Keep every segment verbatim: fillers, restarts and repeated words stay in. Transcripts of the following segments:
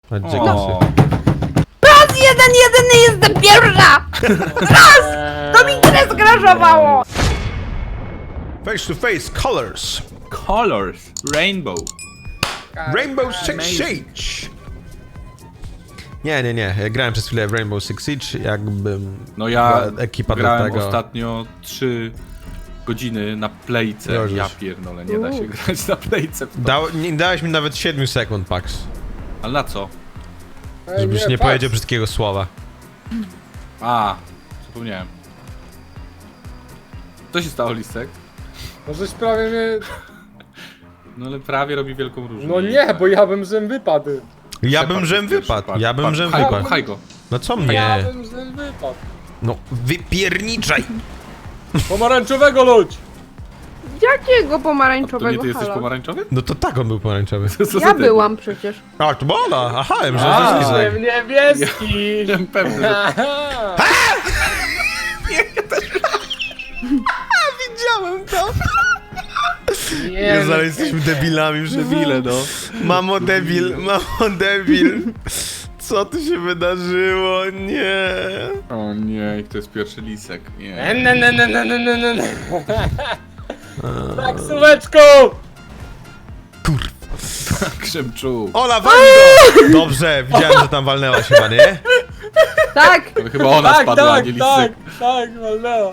O. Raz jeden, jedyny jestem pierwsza! Raz! To mi grę skraszowało! Face to face, colors. Colors. Rainbow. Rainbow Six Amazing. Siege. Nie, nie, nie. Ja grałem przez chwilę w Rainbow Six Siege, jakbym... No ja była ekipa do grałem tego. ostatnio trzy godziny na playce. Jezus. Ja pierdolę, nie da się grać na playce. w to. Dał, nie dałeś mi nawet siedmiu sekund, Pax. Ale na co? Ej, Żebyś nie patrz. powiedział brzydkiego słowa. A, zapomniałem. Co się stało, Lisek? No żeś prawie mnie... No ale prawie robi wielką różnicę. No nie, bo ja bym żem wypadł. Ja Shepard bym żem jest pierwszy, wypadł, patrz, ja bym patrz, żem pchaj go, wypadł. Pchaj go. No co Ja mnie? bym żem wypadł. No wypierniczaj! Pomarańczowego ludź! Jakiego To nie pomarańczowego? ty jesteś Halo? pomarańczowy? No to tak on był pomarańczowy. Co za Ja ty? byłam przecież. A, to bola! Aha, ja myślałem, A. że to jest Nie, Lisek. niebieski! Jestem pewny, że... Aha. Widziałem to! Nie, Jezu, no, ale jesteśmy debilami, Debile, no. Mamo debil, mamo debil. Co tu się wydarzyło? Nie. O nie, i to jest pierwszy Lisek. Nie. Ne, ne, ne, ne, ne, ne, ne, ne. Tak, słóweczku! Krzemczu. Ola, walnij go! Dobrze, widziałem, że tam walnęłaś chyba, nie? Tak! To chyba ona Tak, spadła, a tak, nie tak, Lisek. tak, walnęła.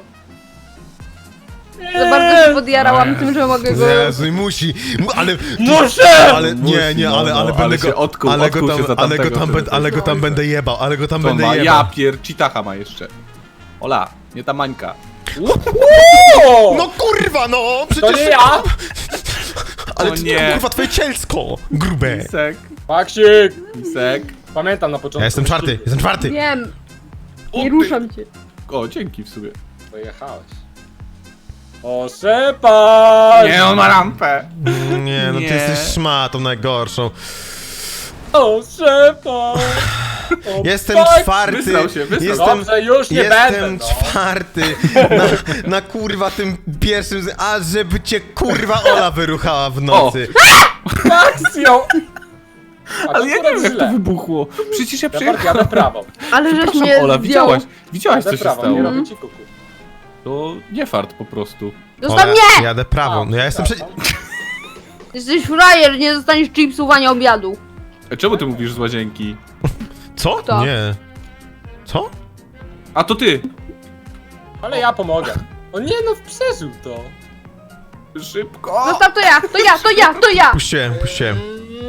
Za bardzo się podjarałam tym, że mogę go... Jezu, i musi, mu- ale... Muszę! Ale nie, nie, ale, ale No, no, będę ale go... się odkuł, ale go odkuł tam, się za ale go tamtego, tam, żeby będę, ale go tam będę jebał, ale go tam To będę ma, jebał. ja pier... Cheetacha ma jeszcze. Ola, nie ta Mańka. O! No kurwa, no! To Przecież... nie ja! Ale O ty, nie. kurwa, twoje cielsko! Grube! Lisek, Paksik! Lisek. Pamiętam na początku. Ja jestem czwarty, jestem czwarty! Wiem, O, nie ty- ruszam cię. O, dzięki w sumie. Pojechałeś. O, Shepard! Nie, on ma rampę. Nie, no ty Nie. jesteś szmatą najgorszą. O, Shepard! O, Jestem Paksik! czwarty! Wysrał się, wysrał. Jestem, Dobrze, już nie jestem będę, no. czwarty na, na kurwa tym pierwszym, z- a żeby cię kurwa Ola wyruchała w nocy. Paksją! Ale ja nie wiem, jak to wybuchło. Przecież ja Shepard, przyjechałem. jadę prawo. Ale żeś Przepraszam, mnie Ola, zdjął. widziałaś, widziałaś co Jadę się prawo, nie stało. robię ci kuku. To nie fart po prostu. Zostaw Ola, mnie! jadę prawą, no ja jestem przecież... Jesteś frajer, nie dostaniesz chipsów ani obiadu. E, Czemu ty mówisz z łazienki? Co? Kto? Nie. Co? A to ty! Ale ja pomogę. O nie, no przeżył to. Szybko! Zostaw to ja, to ja, to ja, to ja! Puściłem, puściłem.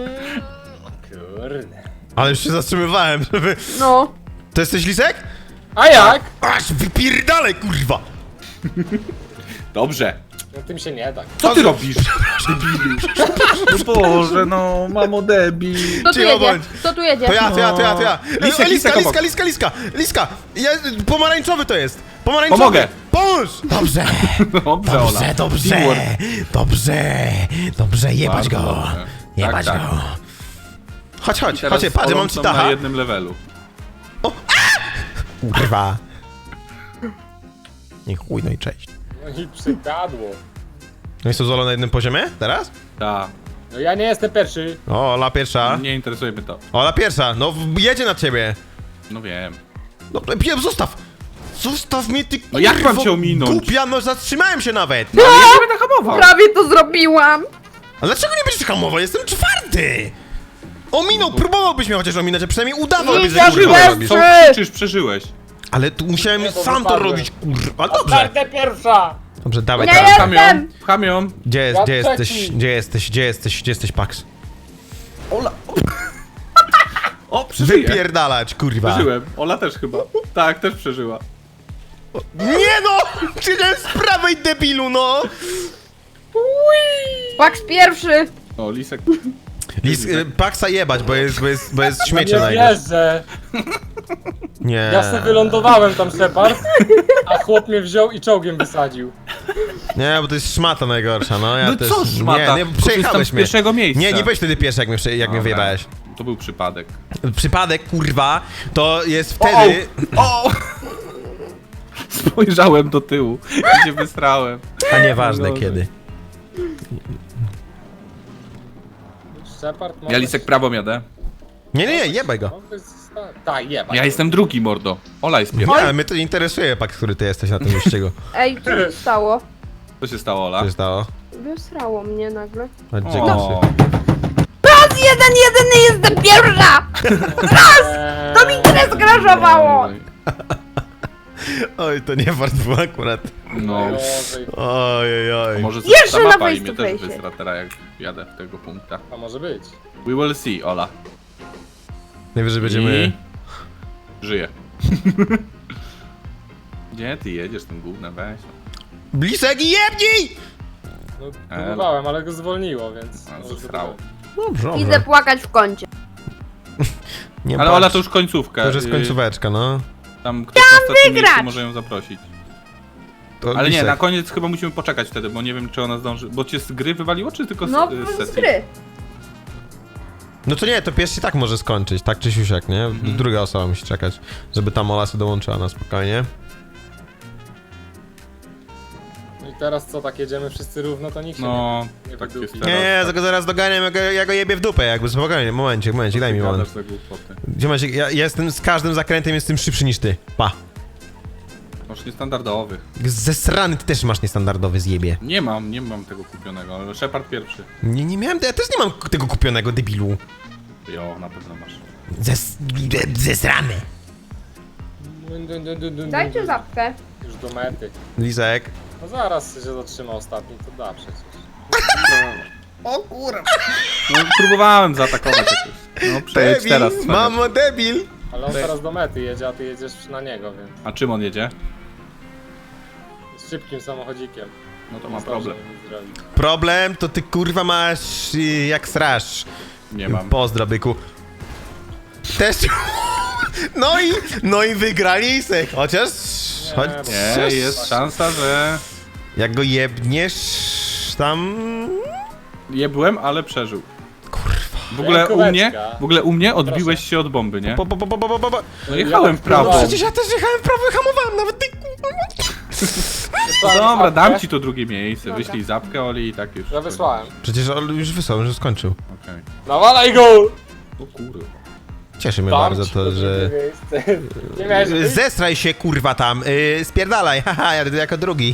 Kurde. Ale już się zatrzymywałem, żeby... No. To jesteś Lisek? A jak? Aż wypierdalaj, kurwa! Dobrze. No tym się nie da. Co ty robisz? No Boże, no, mamo debil. Kto tu Cicho jedzie? bądź. Kto tu jedzie? To ja, to ja, to ja, to ja. Lisek, Liska, lisek liska, obok. liska, liska, liska! Liska! Ja, pomarańczowy to jest! Pomarańczowy! Pomogę. Pomóż! Dobrze! Dobrze, Ola. Dobrze, dobrze! Teamwork. Dobrze! Dobrze, jebać Bardzo go! dobrze. Jebać Tak, go! Chodź, chodź, Teraz chodź, patrz, Olą mam są ci na taha. jednym levelu. Kurwa! Nie chuj, no i cześć. No i przykadło. No i co, Zolo na jednym poziomie? Teraz? Ta. No ja nie jestem pierwszy. O, Ola pierwsza. Nie interesuje mnie to. Ola pierwsza, no w- jedzie na ciebie. No wiem. No, pie- zostaw! Zostaw mnie, ty No jak mam kurwo cię ominąć? Głupia, no zatrzymałem się nawet! No, ja nie będę hamował. Prawie to zrobiłam! A dlaczego nie będziesz hamował? Jestem czwarty! Ominął, próbowałbyś mnie chociaż ominąć, a przynajmniej udawałbyś, że Idziesz kurwa bez- robisz. Co Trzy. krzyczysz, przeżyłeś. Ale tu musiałem Nie, bo sam to wypadłem. robić, kurwa. Dobrze, Czwarta pierwsza! dobrze, dawaj Nie teraz. jest- Pcham ją, Jestem. pcham ją. Gdzie jest, Ja gdzie trzeci. jesteś, gdzie jesteś, gdzie jesteś, gdzie jesteś, Pax? Ola. O, przeżyję. Wypierdalać, kurwa. Przeżyłem. Ola też chyba. Tak, też przeżyła. Nie no! Siedziałem z prawej, debilu, no! Pax pierwszy! O, Lisek. Lis, y, Paxa jebać, bo jest, bo jest, bo jest śmiecie Nie na niego. wierzę. Nie. Ja sobie wylądowałem tam, Shepard, a chłop mnie wziął i czołgiem wysadził. Nie, bo to jest szmata najgorsza, no ja No też... co szmata? Nie, nie, Bo przejechałeś jestem z mnie. pierwszego miejsca. Nie, nie byłeś wtedy pierwszy, jak mnie, prze- jak mnie Dobra. wyjebałeś. To był przypadek. Przypadek, kurwa, to jest wtedy... O! Spojrzałem do tyłu i się wysrałem. A nieważne Boże. kiedy. Shepard, Ja Lisek prawą jadę. Nie, nie, nie, jebaj go. Mogę zosta- Tak, jeba. Ja jestem drugi, mordo. Ola jest Nie, pierwsza. ale mnie to nie interesuje, pak, który ty jesteś na tym wyścigu. Ej, co się stało? Co się stało, Ola? Co się stało? Wysrało mnie nagle. A gdzie O, gasy? Raz jeden, jedyny jestem pierwsza! Eee, To mi grę skraszowało! Oj, to nie wart był akurat. No. najgorzej. Oj, oj, oj. Może Jeszcze ta na mapa face i mnie to też face. wysra teraz, jak jadę w tego punkta. A może być. We will see, Ola. Najwyżej będziemy... I... Żyję. Gdzie ty jedziesz tym gównem, weź. Blisek i jebnij! No, Elo. próbowałem, ale go zwolniło, więc... A, może zesrało. to Dobrze, Idę dobrze. płakać w kącie. Nie Ale płacz. Ola to już końcówka. To już jest y, końcóweczka, no. Tam ktoś na ostatnim wygrać! miejscu może ją zaprosić. To Ale nie, Lisek. na koniec chyba musimy poczekać wtedy, bo nie wiem czy ona zdąży. Bo cię z gry wywaliło, czy tylko z, No, y, z z sesji? gry. No to nie, to pierwszy tak może skończyć, tak czy siusiak, nie? Mhm. Druga osoba musi czekać, żeby tam Ola sobie dołączyła na spokojnie. No i teraz co, tak jedziemy wszyscy równo, to nikt się No, nie, nie tak wydupi. jest Nie, teraz. nie, tak. tylko zaraz doganiam, ja go, ja go jebię w dupę, jakby spokojnie, momencik, momencik, daj mi Ty moment. gadasz za głupoty. Gdzie macie, ja, ja jestem z każdym zakrętem jestem szybszy niż ty, pa. Masz niestandardowych. Zesrany ty też masz niestandardowy zjebie. Nie mam, nie mam tego kupionego, ale Shepard pierwszy. Nie, nie miałem, ja też nie mam tego kupionego debilu. Jo, na pewno masz. Zes, zesrany. Dun, dun, dun, dun, dun, Dajcie dun. zapkę. Już do mety. Lisek. No zaraz się zatrzyma ostatni, to da przecież. No próbowałem zaatakować jakoś. No przejdź teraz. cwaniak. mamo debil. Ale on teraz do mety jedzie, a ty jedziesz na niego, więc... A czym on jedzie? Z szybkim samochodzikiem. No to ma Nie problem. zdąży nic zrobić. Problem to ty kurwa masz y, jak srasz. Nie mam. Pozdro, byku. Też... No i, no i wygra Lisek, chociaż... Nie, Choć, bo- Nie, jest szansa, że Jak go jebniesz tam... je byłem, ale przeżył. Kurwa. W ogóle u Kółeczka. mnie, w ogóle u mnie odbiłeś się od bomby, nie? Po, po, po, po, po, po, po. No jechałem w prawo. No, Przecież ja też jechałem w prawo i hamowałem, nawet ty... No dobra, dam ci to drugie miejsce. Dobra. Wyślij zapkę, Oli i tak już. Ja wysłałem. Przecież on już wysłał, już skończył. Okej. Nawalaj go! O kurwa. Cieszy mnie Dam bardzo ci to, drugie że... miejsce. Nie miałeś wyjść. Zestraj się kurwa tam, yy, spierdalaj, haha, jadę jako drugi.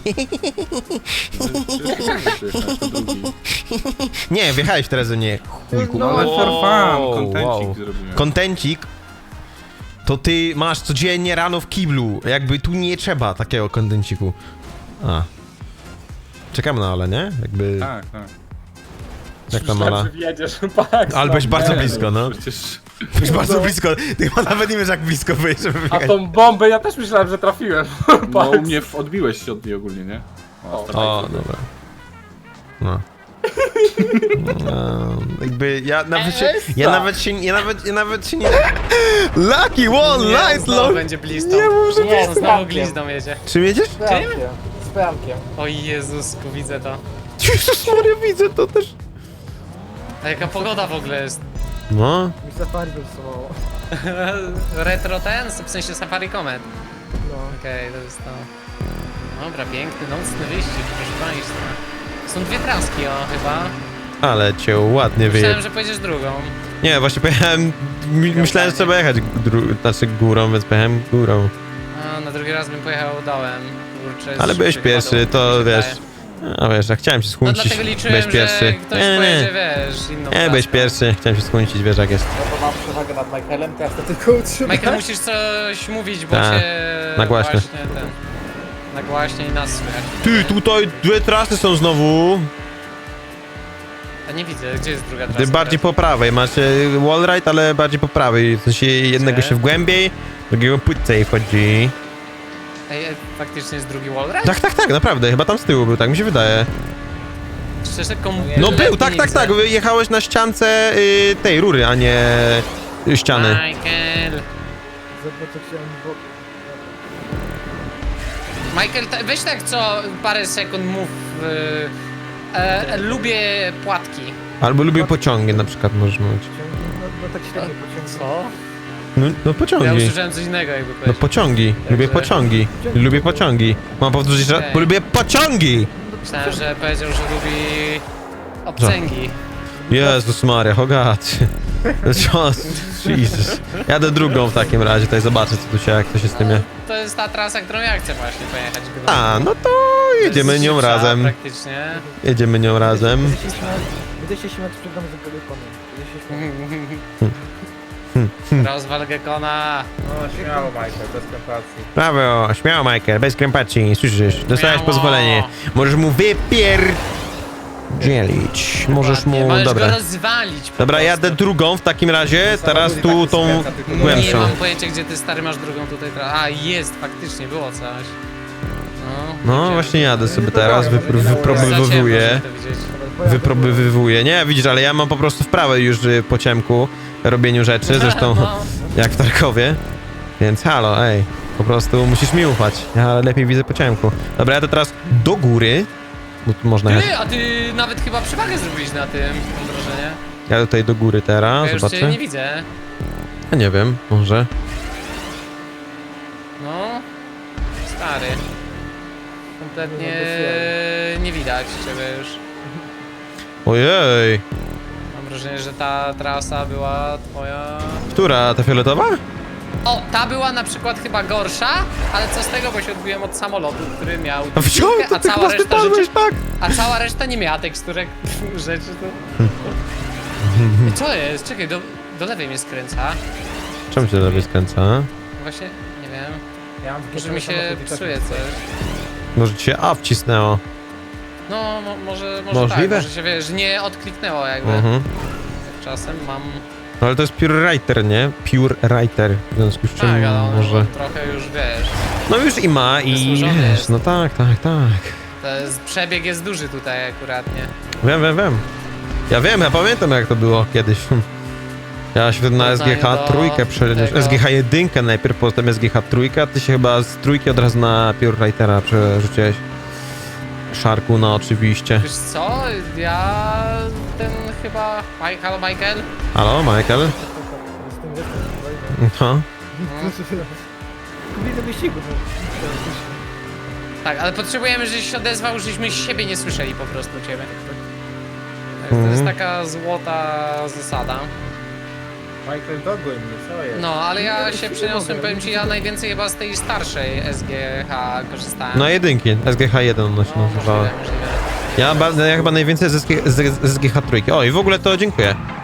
Przyjechałeś to drugi. Nie, wjechałeś teraz do mnie, chujku. No ale for fun, Wow, kontencik wow. zrobiłem. Kontencik to ty masz codziennie rano w kiblu, jakby tu nie trzeba takiego kontenciku. A. Czekamy na Ale, nie? Jakby... Tak, tak. Jak tam Myślałem, Ala? że wjedziesz, pak. Ale byłeś bardzo Nie, blisko, no. Przecież... Byłeś bardzo blisko. Ty chyba nawet nie wiesz jak blisko byłeś, żeby A wjechać. tą bombę ja też myślałem, że trafiłem. No u mnie w- odbiłeś się od niej ogólnie, nie? O, stara- O, dobra. No. No, jakby ja nawet się, ja nawet się, ja nawet, ja nawet się nie... Lucky one, Nie, nice, znowu long... będzie blizną. Nie może Nie, być. znowu glizdą jedzie. Czym jedziesz? Czym? Z prankiem. O Jezusku, widzę to. Jezus Maria, widzę to też. A jaka pogoda w ogóle jest? No. Mi safari wysuwało. Retro ten? W sensie Safari Comet. No. Okej, to jest to. Dobra, piękny, nocny wyścig, proszę państwa. Są dwie traski, o, chyba. Ale cię ładnie wyje... Myślałem, że pojedziesz drugą. Nie, właśnie pojechałem... mi- Myślałem, że trzeba jechać dru... znaczy górą, więc pojechałem górą. A, na drugi raz bym pojechał dołem. Kurczę, Ale byłeś szybciej pierwszy, chyba to dół, mi się wiesz... wydaje. A wiesz, ja chciałem się No skuncić. dlatego liczyłem, Byłeś pierwszy. że ktoś Nie, pojedzie, nie. wiesz, inną Nie, byłeś traską. pierwszy, chciałem się skuncić, wiesz jak jest. No to mam przewagę nad Michaelem, teraz to tylko utrzymam. Michael, musisz coś mówić, bo Tak, cię nagłaśnie. właśnie ten... Nagłaśnie i nas słychać. Ty, tutaj dwie trasy są znowu. A nie widzę, gdzie jest druga Ty trasa? bardziej po prawej, macie wallride, ale bardziej po prawej. W sensie jednego Gdzie? się wgłębiej, drugiego płycej wchodzi. Ej, ej, faktycznie jest drugi wallride? Tak, tak, tak, naprawdę, chyba tam z tyłu był, tak mi się wydaje. Szczerze, komu... No był, tak, tak, tak, jechałeś na ściance y, tej rury, a nie y, ściany. Michael! Michael, ta- weź tak co parę sekund mów. y, e, e, lubię płatki. Albo lubię pociągi na przykład, możesz mówić. Co? No, no Ja pociągi. usłyszałem coś innego jakby No powiedział. pociągi, lubię Także- pociągi, lubię pociągi. Mam powtórzyć, że Okej. lubię pociągi! Myślałem, że powiedział, że lubi obcęgi. Jezus Maria, Hogat. Co? Jesus. Jadę drugą w takim razie, tutaj zobaczę co tu się, jak to się z tym je. To jest ta trasa, którą ja chcę właśnie pojechać. Gdyby- A, no to To jest jedziemy nią szybsza razem. Praktycznie. Jedziemy nią razem. Będę się śmiać, będę się śmiać przed domem z telefonem. Będę się śmiać. Rozwal Gekona. No śmiało, Michael, bez kompacji. Brawo, śmiało Michael, bez krępacji, słyszysz? Dostałeś Śmiało. pozwolenie. Możesz mu wypier... dzielić. Możesz mu... Możesz Dobra. go rozwalić po Dobra, prostu. jadę drugą w takim razie, teraz tu tą Nie głębszą. mam pojęcia, gdzie ty stary masz drugą tutaj tra- A, jest, faktycznie, było coś. No, No gdzie- właśnie jadę sobie teraz, wypr wyprobywuję. Za ciemno, żeby to widzieć. Wyprobywuję. Nie, widzisz, ale ja mam po prostu wprawę już y, po ciemku robieniu rzeczy, zresztą No. jak w Tarkowie. Więc halo, ej, po prostu musisz mi ufać. Ja lepiej widzę po ciemku. Dobra, jadę teraz do góry, bo tu można jechać. Ty, a ty nawet chyba przewagę zrobiłeś na tym, mam wrażenie. Jadę tutaj do góry teraz, Ja już cię zobaczę. nie widzę. Ja nie wiem, może. No, stary. Kompletnie nie widać ciebie już. Ojej, Mam wrażenie, że ta trasa była twoja... która? Ta fioletowa? O, ta była na przykład chyba gorsza, ale co z tego, bo się odbiłem od samolotu, który miał A wziął, teksturkę, to a ty cała chyba reszta wypadłeś, rzeczy, tak? a cała reszta nie miała teksturek rzeczy, to... Co jest? Czekaj, do, do lewej mnie skręca. Czemu się do lewej skręca? Właśnie, nie wiem, Ja mam może mi się samochód i tak psuje nie- coś. Może ci się A wcisnęło. No, mo, może, może Możliwe? tak, może się, wiesz, nie odkliknęło jakby. Mhm. Czasem mam... No ale to jest Pure Writer, nie? Pure Writer, w związku z czym Tak, ale on może... trochę już, wiesz, No już i ma i Wysłużony wiesz, jest. no tak, tak, tak. to jest, przebieg jest duży tutaj akurat, nie? Wiem, wiem, wiem. Ja wiem, ja pamiętam jak to było kiedyś. Ja się wtedy na S G H do trójkę przeniósł. tego- S G H jeden najpierw, potem S G H trójkę, a ty się chyba z trójki od razu na Pure Writera przerzuciłeś. Szarku, no oczywiście. Wiesz co, ja ten chyba... Mike, halo Michael? Halo, Michael? Z tym jestem, No. Kobiety wyścigu. Tak, ale potrzebujemy, żebyś się odezwał, żeśmy siebie nie słyszeli po prostu ciebie. Tak, to Mhm. jest taka złota zasada. Michael, dogój mnie, co jest? No, ale ja się przeniosłem, powiem ci, ja najwięcej chyba z tej starszej S G H korzystałem. No jedynki, S G H jeden ona się no, nazywała. możliwe, możliwe. Ja, ba- ja chyba najwięcej z S G H trójki. O i w ogóle to dziękuję.